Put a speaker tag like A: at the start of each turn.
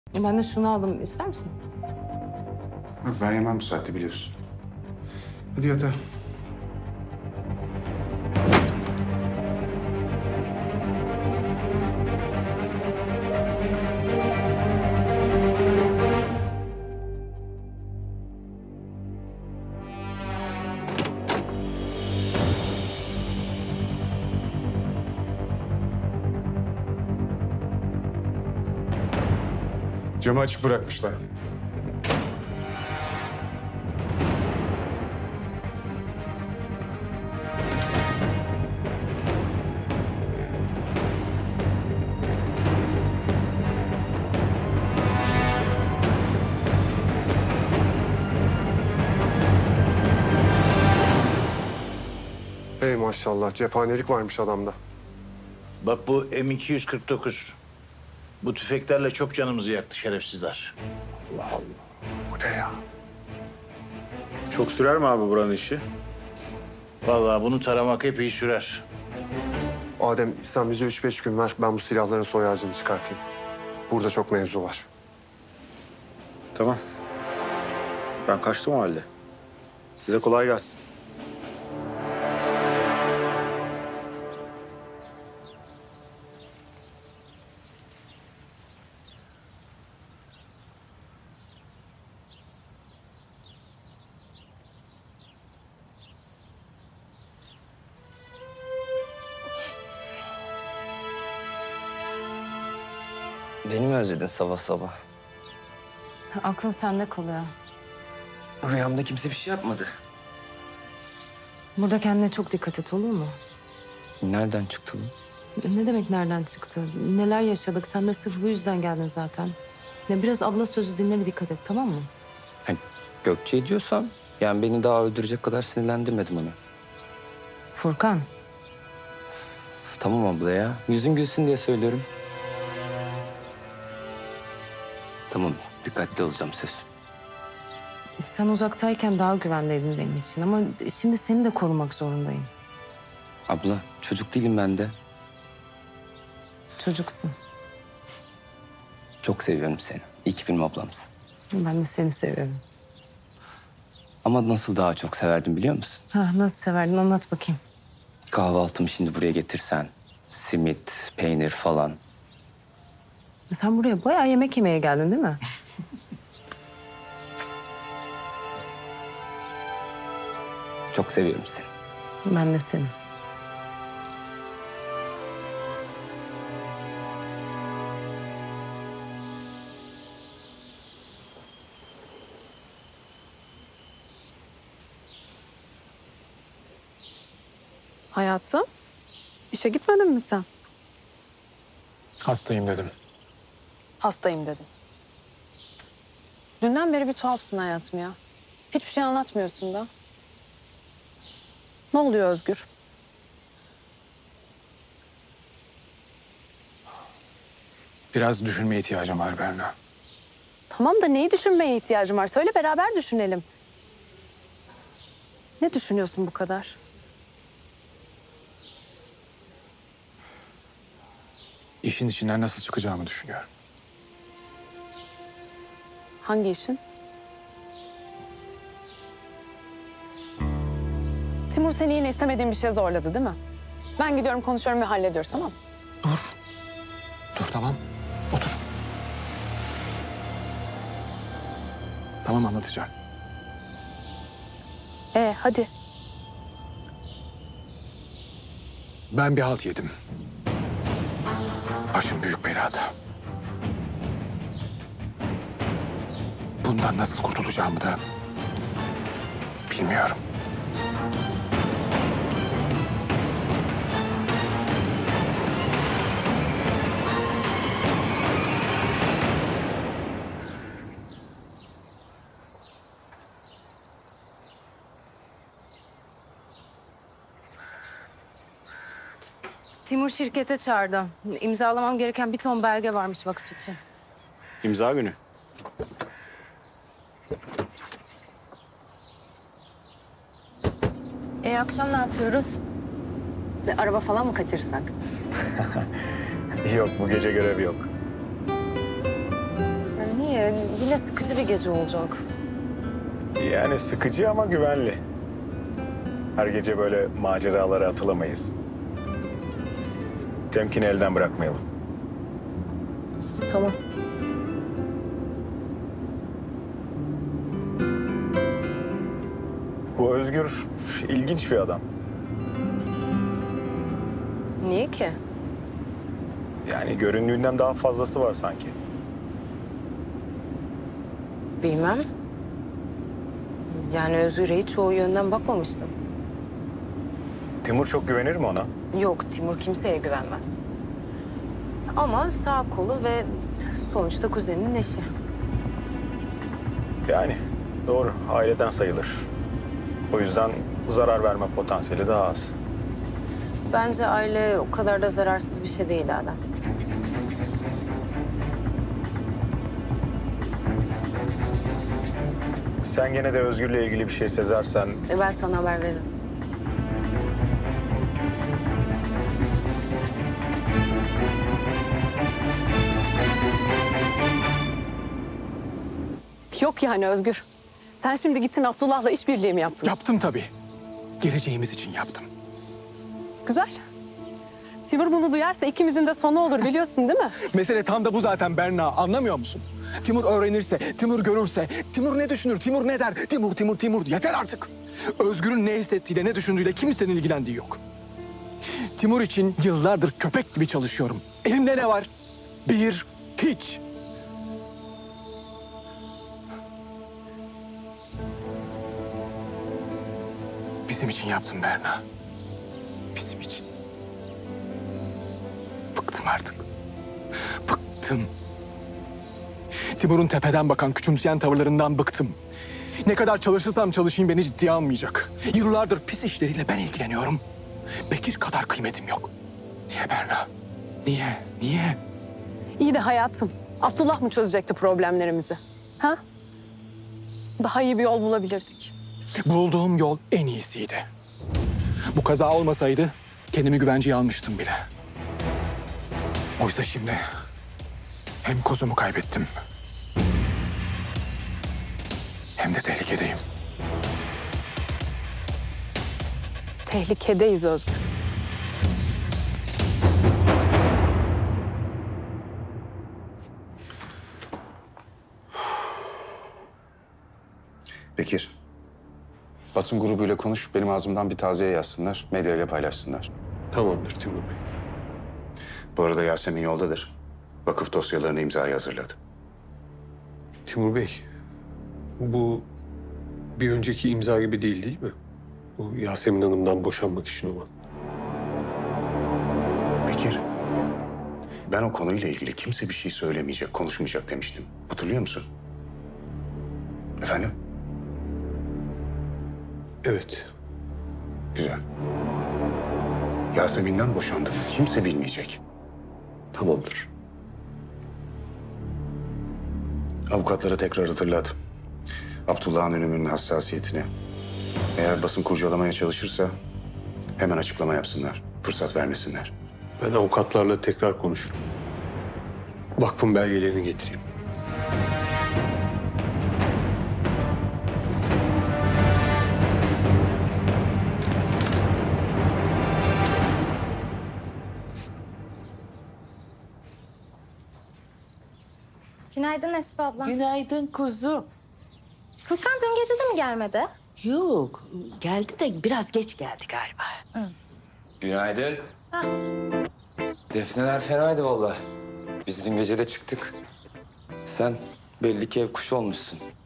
A: Ben de şunu aldım. İster misin?
B: Yok, ben yemem bu saatte biliyorsun. Hadi yatağa. Camı açık bırakmışlar.
C: Hey maşallah, cephanelik varmış adamda.
D: Bak bu M249. Bu tüfeklerle çok canımızı yaktı şerefsizler.
C: Allah Allah. Bu ne ya?
E: Çok sürer mi abi buranın işi?
D: Vallahi bunu taramak epey sürer.
C: Adem, sen bize 3-5 gün ver. Ben bu silahların soy ağacını çıkartayım. Burada çok mevzu var.
E: Tamam. Ben kaçtım o halde. Size kolay gelsin.
F: Beni mi özledin sabah sabah?
A: Aklın sende kalıyor.
F: Rüyamda kimse bir şey yapmadı.
A: Burada kendine çok dikkat et, olur mu?
F: Nereden çıktı bu?
A: Ne demek nereden çıktı? Neler yaşadık? Sen de sırf bu yüzden geldin zaten. Ya biraz abla sözü dinle ve dikkat et, tamam mı?
F: Ha, Gökçe diyorsam, yani beni daha öldürecek kadar sinirlendirmedim onu.
A: Furkan,
F: Tamam abla ya, yüzün gülsün diye söylüyorum. Tamam, dikkatli olacağım söz.
A: sen uzaktayken daha güvendeydin benim için ama şimdi seni de korumak zorundayım.
F: Abla, çocuk değilim ben de.
A: Çocuksun.
F: Çok seviyorum seni. İyi ki benim ablamsın.
A: Ben de seni seviyorum.
F: Ama nasıl daha çok severdim biliyor musun?
A: Nasıl severdin, anlat bakayım.
F: Kahvaltımı şimdi buraya getirsen. Simit, peynir falan.
A: Sen buraya bayağı yemek yemeye geldin değil mi?
F: Çok seviyorum seni.
A: Ben de seni.
G: Hayatım, işe gitmedin mi sen?
B: Hastayım dedim.
G: Hastayım dedin. Dünden beri bir tuhafsın hayatım ya. Hiçbir şey anlatmıyorsun da. Ne oluyor Özgür?
B: Biraz düşünmeye ihtiyacım var Berna.
G: Tamam da neyi düşünmeye ihtiyacım var? Söyle beraber düşünelim. Ne düşünüyorsun bu kadar?
B: İşin içinden nasıl çıkacağımı düşünüyorum.
G: Hangi işin? Timur seni yine istemediğin bir şeye zorladı değil mi? Ben gidiyorum konuşuyorum ve hallediyoruz tamam mı?
B: Dur tamam. Otur. Tamam anlatacağım.
G: Hadi.
B: Ben bir halt yedim. Başım büyük belada. Bundan nasıl kurtulacağımı da bilmiyorum.
A: Timur şirkete çağırdı. İmzalamam gereken bir ton belge varmış vakıf için.
E: İmza günü.
A: Akşam ne yapıyoruz?
G: Araba falan mı kaçırsak?
E: Yok bu gece görevi yok.
A: Tamamıyla sıkıcı bir gece olacak.
E: Yani sıkıcı ama güvenli. Her gece böyle maceralara atılamayız. Temkini elden bırakmayalım.
A: Tamam.
E: Bu Özgür ilginç bir adam.
A: Niye ki?
E: Yani göründüğünden daha fazlası var sanki.
A: Bilmem. Yani Özgür'e hiç o yönden bakmamıştım.
E: Timur çok güvenir mi ona?
A: Yok, Timur kimseye güvenmez. Ama sağ kolu ve sonuçta kuzeninin eşi.
E: Yani doğru, aileden sayılır. O yüzden zarar verme potansiyeli daha az.
A: Bence aile o kadar da zararsız bir şey değil Adem.
E: Sen gene de Özgür'le ilgili bir şey sezersen
A: Ben sana haber veririm.
G: Yok yani Özgür. Sen şimdi gittin Abdullah'la işbirliği mi yaptın?
H: Yaptım tabii. Geleceğimiz için yaptım.
G: Güzel. Timur bunu duyarsa ikimizin de sonu olur biliyorsun değil mi?
H: Mesele tam da bu zaten Berna. Anlamıyor musun? Timur öğrenirse, Timur görürse, Timur ne düşünür, Timur ne der? Timur. Yeter artık. Özgür'ün ne hissettiğiyle, ne düşündüğüyle kimsenin ilgilendiği yok. Timur için yıllardır köpek gibi çalışıyorum. Elimde ne var? Bir, hiç. Bizim için yaptım Berna. Bizim için. Bıktım artık. Bıktım. Timur'un tepeden bakan, küçümseyen tavırlarından bıktım. Ne kadar çalışırsam çalışayım beni ciddiye almayacak. Yıllardır pis işleriyle ben ilgileniyorum. Bekir kadar kıymetim yok. Niye Berna? Niye?
G: İyi de hayatım. Abdullah mı çözecekti problemlerimizi? Ha? Daha iyi bir yol bulabilirdik.
H: Bulduğum yol en iyisiydi. Bu kaza olmasaydı kendimi güvenceye almıştım bile. Oysa şimdi hem kozumu kaybettim hem de tehlikedeyim.
G: Tehlikedeyiz Özgür.
B: Bekir, basın grubuyla konuş, benim ağzımdan bir taziye yazsınlar, medyayla paylaşsınlar.
I: Tamamdır Timur Bey.
B: Bu arada Yasemin yoldadır. Vakıf dosyalarını imzaya hazırladı.
I: Timur Bey, bu bir önceki imza gibi değil mi? Bu Yasemin Hanım'dan boşanmak için olan.
B: Bekir, ben o konuyla ilgili kimse bir şey söylemeyecek, konuşmayacak demiştim. Hatırlıyor musun? Efendim?
I: Evet.
B: Güzel. Yasemin'den boşandım. Kimse bilmeyecek.
I: Tamamdır.
B: Avukatlara tekrar hatırlat. Abdullah'ın ölümünün hassasiyetini. Eğer basın kurcalamaya çalışırsa hemen açıklama yapsınlar. Fırsat vermesinler.
I: Ben avukatlarla tekrar konuşurum. Vakfın belgelerini getireyim.
J: Günaydın Esif abla.
K: Günaydın kuzum.
J: Furkan dün gece de mi gelmedi?
K: Yok, geldi de biraz geç geldi galiba.
F: Günaydın. Defneler fenaydı vallahi. Biz dün gece de çıktık. Sen belli ki ev kuşu olmuşsun.